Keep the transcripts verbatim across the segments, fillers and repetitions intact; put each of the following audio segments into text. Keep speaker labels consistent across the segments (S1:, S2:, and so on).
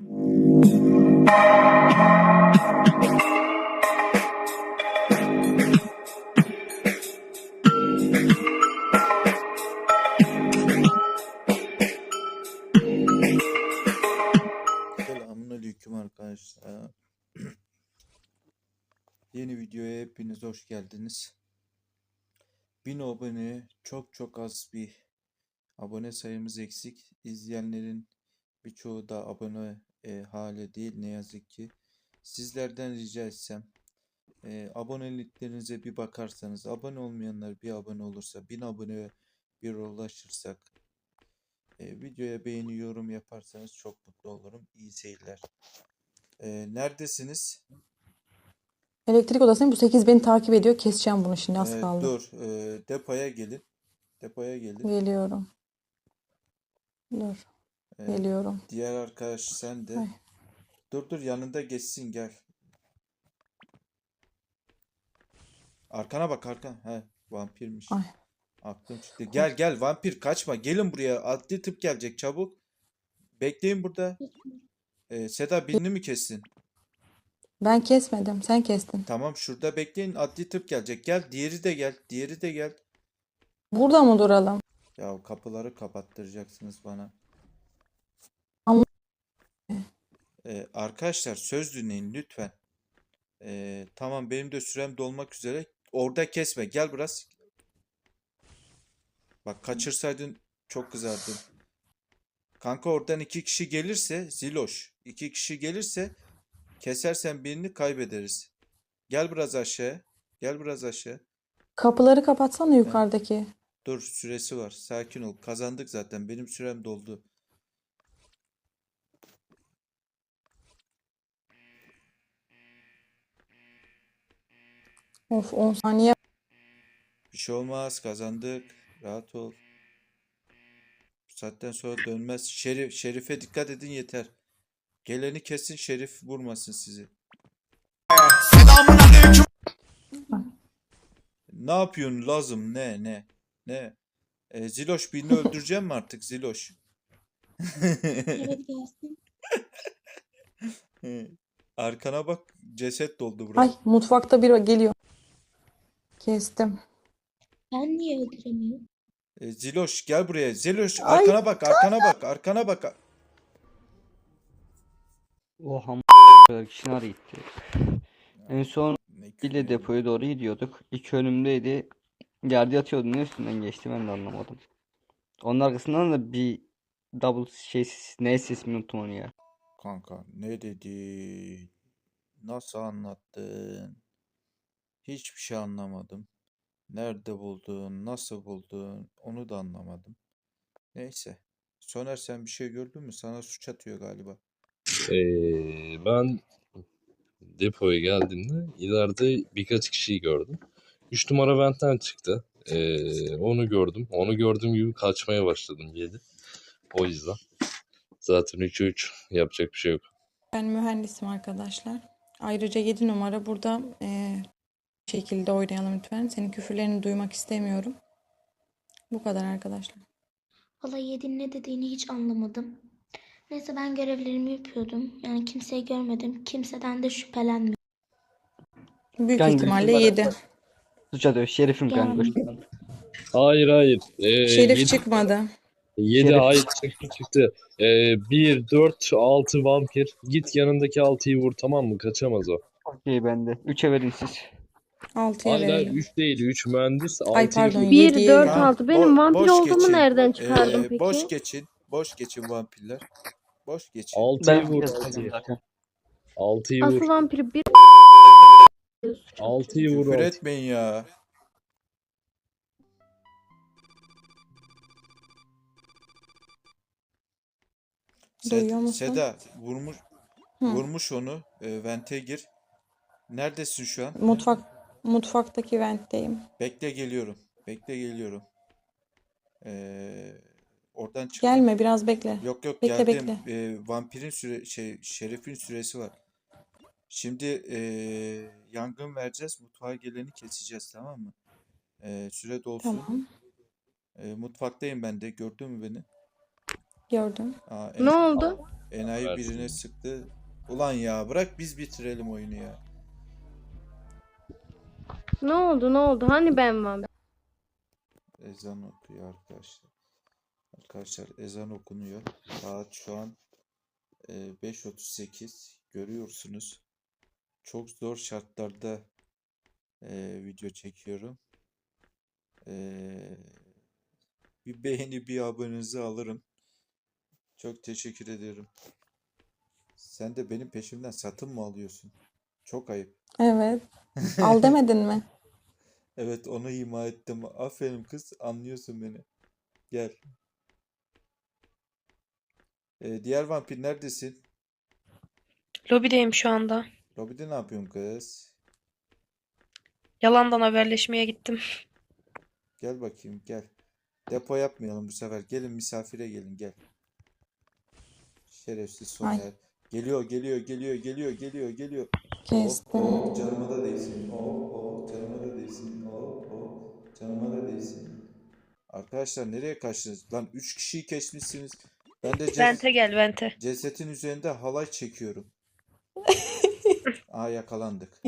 S1: Selamünaleyküm arkadaşlar. Yeni videoya hepiniz hoş geldiniz. bin abone, çok çok az bir abone sayımız eksik. İzleyenlerin birçoğu da abone e, hale değil ne yazık ki. Sizlerden rica etsem e, aboneliklerinize bir bakarsanız, abone olmayanlar bir abone olursa, bin aboneye bir ulaşırsak, e, videoya beğeni, yorum yaparsanız çok mutlu olurum. İyi seyirler. E, neredesiniz?
S2: Elektrik odasındayım. Bu sekiz beni takip ediyor. Keseceğim bunu şimdi. Az
S1: Ee,
S2: kaldı.
S1: dur. ee, depoya gelin. Depoya gelin.
S2: Geliyorum. Dur.
S1: Ee,
S2: Geliyorum.
S1: diğer arkadaş sen de.
S2: Ay.
S1: Dur dur yanında geçsin gel. Arkana bak arkan. He vampirmiş.
S2: Ay.
S1: Aklım çıktı. Gel gel vampir kaçma. Gelin buraya. Adli tıp gelecek çabuk. Bekleyin burada. Ee, Seda birini mi kessin?
S2: Ben kesmedim. Sen kestin.
S1: Tamam şurada bekleyin. Adli tıp gelecek. Gel diğeri de gel. Diğeri de gel.
S2: Burada mı duralım?
S1: Ya kapıları kapattıracaksınız bana.
S2: Ama
S1: Ee, arkadaşlar söz dinleyin lütfen. Ee, tamam benim de sürem dolmak üzere. Orada kesme. Gel biraz. Bak kaçırsaydın çok kızardım. Kanka oradan iki kişi gelirse Ziloş. iki kişi gelirse kesersen birini kaybederiz. Gel biraz aşağı. Gel biraz aşağı.
S2: kapıları kapatsana
S1: He.
S2: yukarıdaki.
S1: Dur süresi var. Sakin ol. Kazandık zaten. Benim sürem doldu.
S2: Of on saniye.
S1: Bir şey olmaz. Kazandık. Rahat ol. Bu saatten sonra dönmez. Şerif, Şerif'e dikkat edin yeter. Geleni kesin Şerif vurmasın sizi. Ne yapıyorsun lazım ne ne ne? E, Ziloş birini öldüreceğim mi artık Ziloş?
S3: Evet gelsin.
S1: Arkana bak ceset doldu
S2: Ay
S1: bura.
S2: mutfakta biri geliyor. Kestim.
S3: Ben niye öldüremiyorum?
S1: E, Ziloş gel buraya. Ziloş
S2: Ay.
S1: arkana bak arkana bak arkana bak.
S4: Oha kadar kişi nereye gitti? En son
S1: Ne
S4: ile
S1: küfür
S4: depoya doğru gidiyorduk. İki önümdeydi. Yerde yatıyordu. Ne üstünden geçti ben de anlamadım. Onun arkasından da bir double şey ne sesini unuttum onu ya.
S1: kanka ne dedi? Nasıl anlattın? Hiçbir şey anlamadım. Nerede buldun? Nasıl buldun? Onu da anlamadım. Neyse. Soner sen bir şey gördün mü? Sana suç atıyor galiba.
S5: Ee, ben depoya geldiğimde ileride birkaç kişiyi gördüm. Üç numara ventten çıktı. Ee, onu gördüm. Onu gördüğüm gibi kaçmaya başladım yedi. O yüzden. Zaten üçe üç yapacak bir şey yok.
S2: Ben mühendisim arkadaşlar. Ayrıca yedi numara burada e, şekilde oynayalım lütfen. Senin küfürlerini duymak istemiyorum. Bu kadar arkadaşlar.
S3: Valla Yedi'nin ne dediğini hiç anlamadım. Neyse ben görevlerimi yapıyordum. Yani kimseyi görmedim. Kimseden de şüphelenmiyorum.
S2: Büyük
S4: Kanka,
S2: ihtimalle
S4: numara-
S2: yedi.
S4: Suç atıyor. Şerifim kanka.
S3: Yani.
S5: Hayır hayır. Ee,
S2: Şerif
S5: yedi,
S2: çıkmadı.
S5: yedi
S4: Şerif.
S5: hayır çıktı çıktı. Ee, bir, dört, altı vampir. Git yanındaki altıyı vur tamam mı? Kaçamaz o.
S4: Okey bende. üçe verin siz.
S2: altıya
S5: Hayır hayır
S2: verelim.
S5: üç değil. üç mühendis.
S2: Ay
S5: altıyı
S2: pardon
S5: vur.
S6: bir,
S2: yediye
S6: dört,
S2: verelim.
S6: altı. Benim vampir
S1: boş
S6: olduğumu
S1: geçin.
S6: nereden çıkardın
S1: Ee,
S6: peki?
S1: Boş geçin. Boş geçin vampirler. Boş geçin.
S5: altıyı
S4: Ben
S5: vur.
S4: kesmedim
S5: altıyı.
S4: zaten.
S5: altıyı vur.
S6: Asıl vampiri bir
S5: altıyı vur.
S1: Küfür
S5: altı.
S1: etmeyin ya.
S2: Duyuyor
S1: Seda,
S2: musun?
S1: Seda vurmuş
S2: Hı.
S1: vurmuş onu. E, vente gir. Neredesin şu an?
S2: Mutfak mutfaktaki ventteyim.
S1: Bekle geliyorum. Bekle geliyorum. Ee, oradan çıkma.
S2: Gelme biraz bekle.
S1: Yok yok
S2: Bekle,
S1: geldim.
S2: bekle.
S1: Ee, vampirin süre şey şerefin süresi var. Şimdi ee, yangın vereceğiz. Mutfağa geleni keseceğiz tamam mı? Ee, süre dolsun.
S2: Tamam.
S1: Ee, mutfaktayım ben de. Gördün mü beni?
S2: Gördüm.
S1: Aa,
S6: ne oldu?
S1: enayi
S5: versin.
S1: birine sıktı. Ulan ya bırak biz bitirelim oyunu ya.
S6: Ne oldu ne oldu? Hani ben varım?
S1: Ezan okuyor arkadaşlar. Arkadaşlar ezan okunuyor. Saat şu an e, beş otuz sekiz. Görüyorsunuz. Çok zor şartlarda e, video çekiyorum. E, bir beğeni bir abonenizi alırım. Çok teşekkür ederim. Sen de benim peşimden satın mı alıyorsun? Çok ayıp.
S2: Evet. Al demedin mi?
S1: Evet onu ima ettim. Aferin kız anlıyorsun beni. Gel. E, diğer vampir neredesin?
S7: Lobideyim şu anda.
S1: Lobide ne yapıyorsun kız?
S7: Yalandan haberleşmeye gittim.
S1: Gel bakayım gel. Depo yapmayalım bu sefer. Gelin misafire gelin gel. Şerefsiz
S2: Ay
S1: Soner. Geliyor geliyor geliyor geliyor geliyor geliyor. Oh
S2: kestim.
S1: oh canıma da değsin. Oh oh canıma da değsin. Oh oh canıma da değsin. Arkadaşlar nereye kaçtınız? Lan üç kişiyi kesmişsiniz. Ben de ces
S7: Vente gel vente.
S1: cesetin üzerinde halay çekiyorum. Aa yakalandık.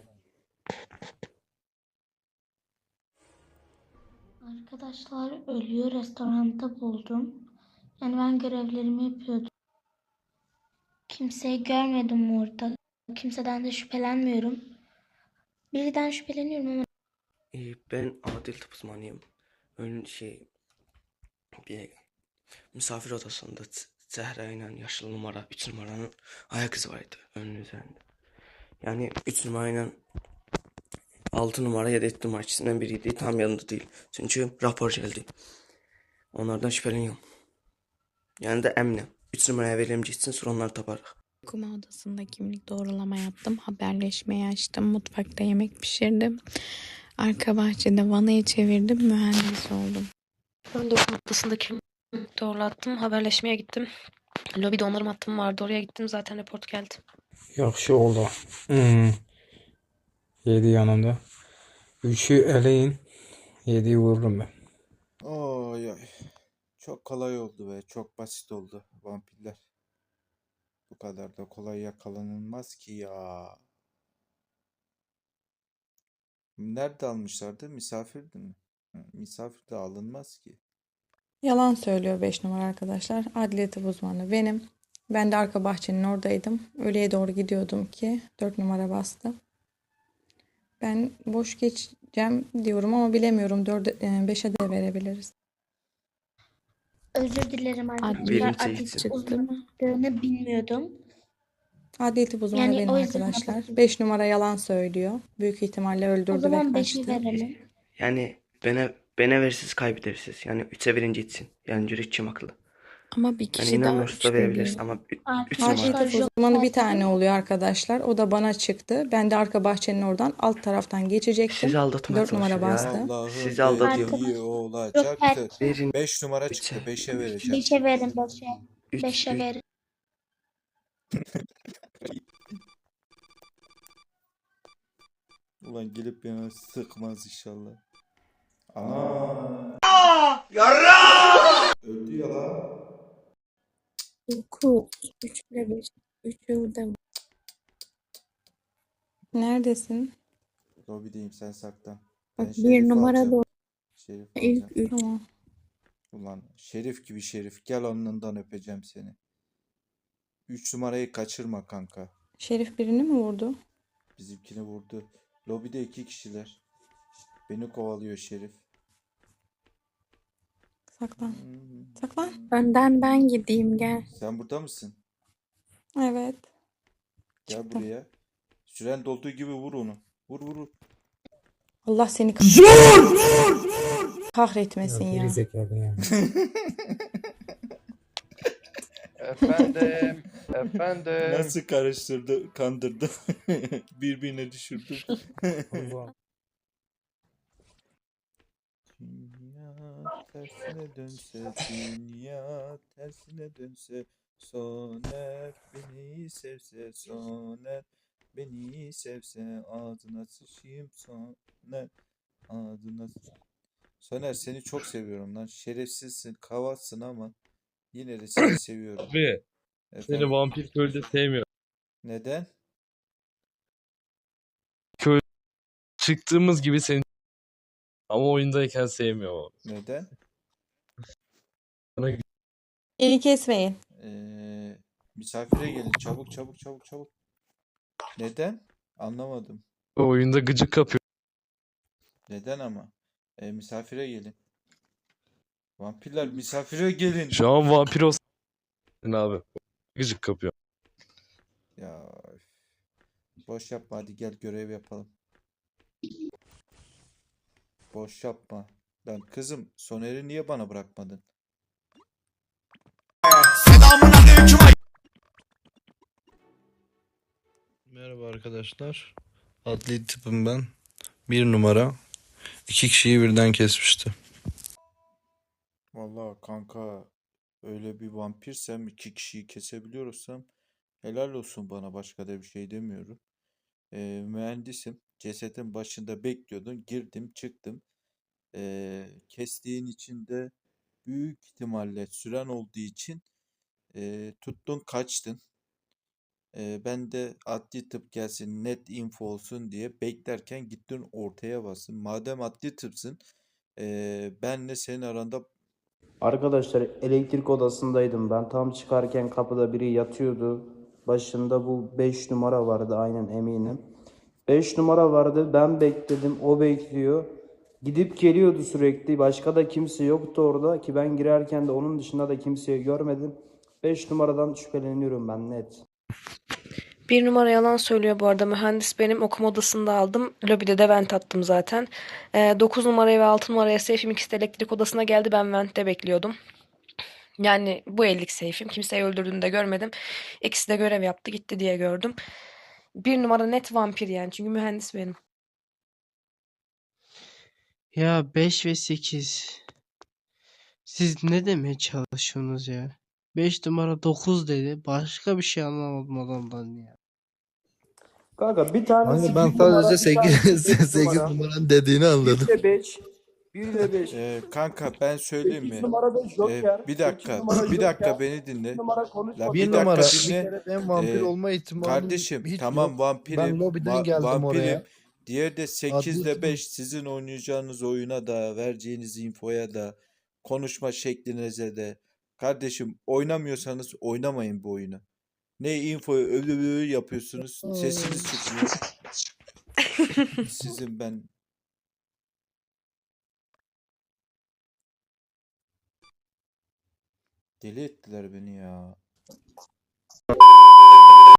S3: Arkadaşlar ölüyor restoranda buldum. Yani ben görevlerimi yapıyordum. Kimseyi görmedim orada. Kimseden de şüphelenmiyorum. Birden şüpheleniyorum ama
S8: Ee, Ben adil tıp uzmanıyım. Ön şey bir misafir odasında Z- Zehra ile yaşlı numara üç numaranın ayak izi vardı önün üzerinde. Yani üç numarayla altı numara ya da yedi numara ikisinden biriydi. Tam yanında değil. Çünkü rapor geldi. Onlardan şüpheleniyorum. Yani de eminim. üç numaraya verelim gitsin sonra onları taparız.
S2: Okuma odasında kimlik doğrulama yaptım. Haberleşmeyi açtım. Mutfakta yemek pişirdim. Arka bahçede vanayı çevirdim. Mühendis oldum.
S7: Ben de okul odasındaki doğrulattım. Haberleşmeye gittim. Lobide onarım hattım vardı. Oraya gittim. Zaten report geldi.
S9: Yaxşı oldu. Hmm. yedi yanımda. üçü eleyin. yediyi vururum ben.
S1: Oy oy. Çok kolay oldu be. Çok basit oldu vampirler. Bu kadar da kolay yakalanılmaz ki ya. Nerede almışlardı? Misafirdi mi? Hı, misafir de alınmaz ki.
S2: Yalan söylüyor beş numara arkadaşlar. Adliye tıp uzmanı benim. Ben de arka bahçenin oradaydım. Öğleye doğru gidiyordum ki dört numara bastı. Ben boş geçeceğim diyorum ama bilemiyorum. dörde, beşe de verebiliriz.
S3: özür dilerim arkadaşlar.
S8: Birinci
S3: Adil
S8: gitsin.
S2: Çıktı mı?
S3: uzmanlığını bilmiyordum.
S2: Adliye tıp uzmanı
S3: Yani
S2: benim
S3: o yüzden
S2: arkadaşlar.
S3: habersiz.
S2: beş numara yalan söylüyor. Büyük ihtimalle
S3: O
S2: öldürdü ve
S3: zaman beşi
S2: kaçtı.
S3: verelim.
S8: Yani bana bana versiz kaybedersiniz. Yani üçe verin gitsin. Yani cürek kim akıllı.
S2: Ama bir
S8: Yani
S2: kişi daha
S8: inanmıyorsa da verebiliriz
S2: şüpheli.
S8: ama üç
S3: Arkadaşlar
S2: Adliye
S8: numara.
S2: tıp
S3: Joker
S2: uzmanı bir tane
S3: dedim.
S2: oluyor arkadaşlar. O da bana çıktı. Ben de arka bahçenin oradan alt taraftan geçecektim.
S8: Sizi aldatmaya
S2: dört numara
S8: çalışıyor ya.
S2: bastı.
S1: Allah'ın
S8: Sizi aldatıyor.
S1: dediği
S3: Joker
S1: olacaktı.
S8: Verin
S1: beş numara
S8: üçe.
S1: çıktı. beşe vereceğim.
S3: Beşe verin beşe.
S8: Üç,
S3: Beşe
S8: üç.
S3: verin.
S1: Ulan gelip beni sıkmaz inşallah. Ana. Öldü ya lan.
S2: dokuz, üç ile beş, üç yılda. Neredesin?
S1: Lobideyim sen saklan. Ben
S2: Bak bir
S1: Şerif
S2: numara
S1: alacağım.
S2: doğru.
S1: Şerif
S2: İlk
S1: alacağım.
S2: üç. Tamam.
S1: Ulan Şerif gibi Şerif. Gel alnından öpeceğim seni. üç numarayı kaçırma kanka.
S2: Şerif birini mi vurdu?
S1: Bizimkini vurdu. Lobide iki kişiler. Beni kovalıyor Şerif.
S2: Saklan.
S1: Hmm.
S2: Saklan. Önden ben gideyim gel.
S1: Sen burada mısın?
S2: Evet.
S1: Gel
S2: Çıktım.
S1: buraya. Süren dolduğu gibi vur onu. Vur vur vur.
S2: Allah seni kahretmesin
S9: Ya
S2: ya.
S9: geri zekalı ya.
S10: Efendim, efendim.
S1: Nasıl karıştırdı, kandırdı. Birbirine düşürdü.
S9: Allah.
S1: Dünya tersine dönse, dünya tersine dönse, Soner beni sevse, Soner beni sevse, ağzına sıçayım Soner, ağzına sıçayım. Soner seni çok seviyorum lan. Şerefsizsin, kavatsın ama yine de seni seviyorum.
S5: Abi Seni
S1: Efendim,
S5: vampir köylüde sevmiyorum.
S1: neden?
S5: Köy çıktığımız gibi seni ama oyundayken sevmiyorum.
S1: Neden?
S5: Bana
S2: Beni kesmeyin.
S1: Ee, misafire gelin. Çabuk çabuk çabuk çabuk. Neden? Anlamadım.
S5: oyunda gıcık kapıyor.
S1: Neden ama? Ee, misafire gelin. Vampirler misafire gelin.
S5: Şu an vampir olsun abi. Gıcık kapıyor.
S1: Ya üf. Boş yapma, hadi gel görev yapalım. Boş yapma. Lan kızım, Soner'i niye bana bırakmadın?
S10: Merhaba arkadaşlar. Adli tıpım ben. Bir numara. İki kişiyi birden kesmişti.
S1: Vallahi kanka, öyle bir vampirsem, iki kişiyi kesebiliyorsam helal olsun bana, başka da bir şey demiyorum. Ee, mühendisim. Cesetin başında bekliyordum. Girdim çıktım. Ee, kestiğin için de büyük ihtimalle süren olduğu için e, tuttun kaçtın. Ee, ben de adli tıp gelsin, net info olsun diye beklerken gittin ortaya bastın. Madem adli tıpsın, e, benle senin aranda
S11: Arkadaşlar elektrik odasındaydım ben. Tam çıkarken kapıda biri yatıyordu. Başında bu beş numara vardı, aynen eminim. beş numara vardı. Ben bekledim. O bekliyor. Gidip geliyordu sürekli. Başka da kimse yoktu orada ki ben girerken de onun dışında da kimseyi görmedim. beş numaradan şüpheleniyorum ben, net.
S7: Bir numara yalan söylüyor bu arada. Mühendis benim. Okuma odasında aldım. Lobide de vent attım zaten. Ee, dokuz numaraya ve altı numaraya seyfim ikisi de elektrik odasına geldi. Ben ventte bekliyordum. Yani bu ellik seyfim. Kimseyi öldürdüğünü de görmedim. İkisi de görev yaptı gitti diye gördüm. Bir numara net vampir yani. Çünkü mühendis benim.
S12: Ya beş ve sekiz. Siz ne demeye çalışıyorsunuz ya? beş numara dokuz dedi. Başka bir şey anlamadım adamdan ya.
S11: Kanka bir tanesi
S10: Kanka ben
S11: bir numara,
S10: sadece
S11: bir tanesi
S10: sekiz,
S11: beş
S10: sekiz
S11: numara.
S10: numaranın dediğini anladım.
S11: bir ile beş. bir ile beş.
S1: Ee, kanka ben söyleyeyim
S11: sekiz
S1: mi?
S11: numara da
S1: Ee,
S11: Joker.
S1: bir
S11: sekiz
S1: dakika,
S11: numara
S1: bir dakika
S11: Joker.
S1: beni
S11: bir
S1: dinle.
S11: numara
S1: La
S11: konuşmadı.
S1: bir
S10: Bir
S1: dakika
S10: numara. Bir
S1: dinle.
S10: kere ben vampir
S1: Ee,
S10: olma ihtimalim
S1: kardeşim
S10: hiç
S1: tamam
S10: yok.
S1: vampirim,
S10: Ben lobiden
S1: va-
S10: geldim
S1: vampirim.
S10: oraya.
S1: Diğer de
S10: Adli
S1: sekiz ile
S10: tıpım.
S1: beş sizin oynayacağınız oyuna da, vereceğiniz infoya da, konuşma şeklinize de. Kardeşim, oynamıyorsanız oynamayın bu oyunu. Ne infoyu öyle böyle yapıyorsunuz, sesiniz çıkmıyor. Sizin ben deli ettiler beni ya.